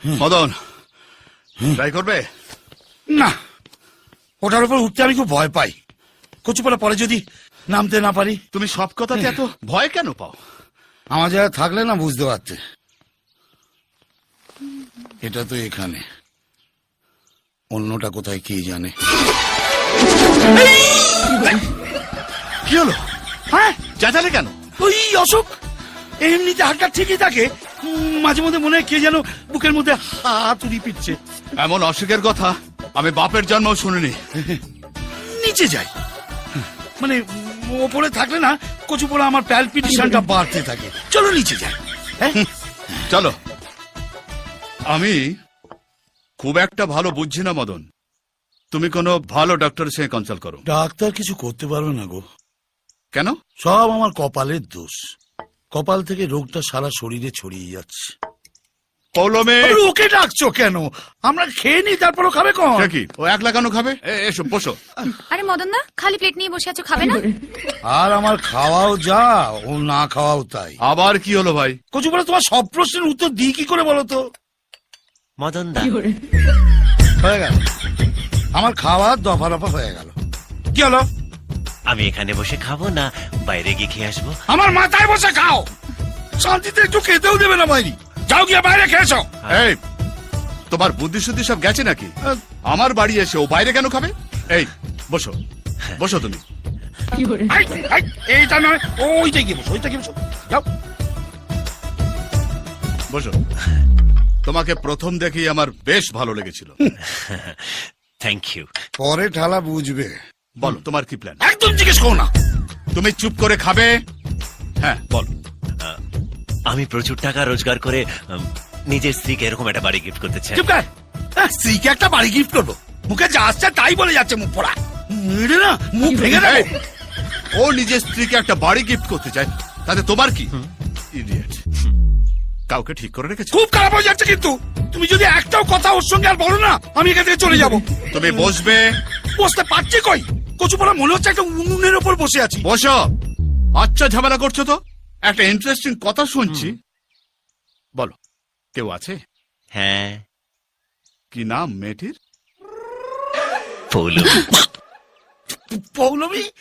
Madan try করবে না, ওটার উপর উঠতে আমি খুব ভয় পাই। কচুপালা পরে যদি নামতে না পারি। তুমি সব কথাতে এত ভয় কেন পাও? আমার জায়গায় থাকলে না বুঝতে পারতে। এটা তো এখানে, অন্যটা কোথায় কে জানে। কি হলো? হ্যাঁ, চেঁচালে কেন? ওই অশোক এমনিতে হাতটা ঠিকই থাকে, মাঝে মধ্যে মনে হয় কে যেন বুকের মধ্যে হাত উড়িয়ে পিটছে। এমন অসুখের কথা আমি বাপের জন্মও শুনিনি। নিচে যাই, মানে ওপরে থাকলে না কচুপোড়া আমার প্যালপিটেশনটা বাড়তে থাকে। চলো নিচে যাই। হ্যাঁ চলো। আমি খুব একটা ভালো বুঝছি না মদন, তুমি কোনো ভালো ডক্টরের সঙ্গে কনসাল্ট করো। ডাক্তার কিছু করতে পারবে না গো। কেন? সব আমার কপালের দোষ। কপাল থেকে রোগটা সারা শরীরে ছড়িয়ে যাচ্ছে। পৌলমে ওকে ডাকছো কেন? আমরা খেয়ে নি, তারপরও খাবে কোন? কি ও একলা কেন খাবে? এসো বসো। আরে মদন দা, খালি প্লেট নিয়ে বসে আছো, খাবে না? আর আমার খাওয়াও যা, ও না খাওয়াও তাই। আবার কি হলো ভাই? কচুপোড়া তোমার সব প্রশ্নের উত্তর দিই কি করে বলো তো? মদন দা হয়ে গেল, আমার খাওয়া দফা রফা হয়ে গেল। কি হলো? আমি এখানে বসে খাবো না বাইরে গিয়ে খেয়ে আসবো? আমার মাথায় বসে খাও, শান্তিতে একটু খেতেও দেবে না বাইরে। যাও গিয়ে বাইরে খেয়েছো। এই তোমার বুদ্ধি শুদ্ধি সব গেছে নাকি? আমার বাড়ি এসে ও বাইরে কেন খাবে? এই বসো বসো তুমি। এইটা নয়, ওইটা গিয়ে বসো, ওইটা গিয়ে বসো। যাও বসো। তোমাকে প্রথম দেখেই আমার বেশ ভালো লেগেছিল। Thank you. পরে ঠালা বুঝবে। বলো তোমার কি প্ল্যান? একদম জিজ্ঞেস করো না। তুমি চুপ করে খাবে। হ্যাঁ বল। আমি প্রচুর টাকা রোজগার করে নিজের স্ত্রীকে এরকম একটা বাড়ি গিফট করতে চাই। চুপ কর। স্ত্রীকে একটা বাড়ি গিফট করবো? মুখে যা আসছে তাই বলে যাচ্ছে মুখ পড়া। না মুখ ভেঙে দেবে। ও নিজের স্ত্রীকে একটা বাড়ি গিফট করতে চায়, তাতে তোমার কি? ইডিয়েট। কাউকে ঠিক করে রেখেছো? খুব খারাপ হয়ে যাচ্ছে কিন্তু। তুমি যদি একটাও কথা ওর সঙ্গে আর বলো না, আমি এখান থেকে চলে যাবো। তুমি বসবে। বসতে পারছি কই? কচুপোড়া মনে হচ্ছে একটা উনুনের ওপর বসে আছি। বসো। আচ্ছা ঝামেলা করছো তো। একটা ইন্টারেস্টিং কথা শুনছি, বলো কেউ আছে? হ্যাঁ। কি নাম মেয়েটির? পৌলমী। পৌলমী?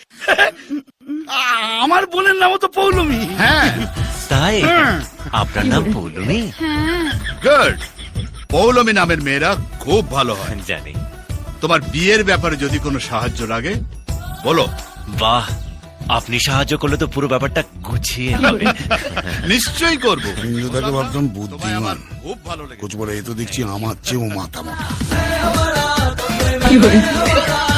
আমার বোনের নামও তো পৌলমী। হ্যাঁ তাই আপনার নাম পৌলমী? গুড। পৌলমী নামের মেয়েরা খুব ভালো হয়। জানি। তোমার বিয়ের ব্যাপারে যদি কোনো সাহায্য লাগে বলো। বাহ, আপনি সাহায্য করলে তো পুরো ব্যাপারটা গুছিয়ে হবে। নিশ্চয়ই করবো। হিন্দুটাকে ভাবতাম তোমায় বুদ্ধিমান, আমার খুব ভালো লেগেছে। কচুপোড়া এ তো দেখছি আমার চেয়েও মাথা মোটা।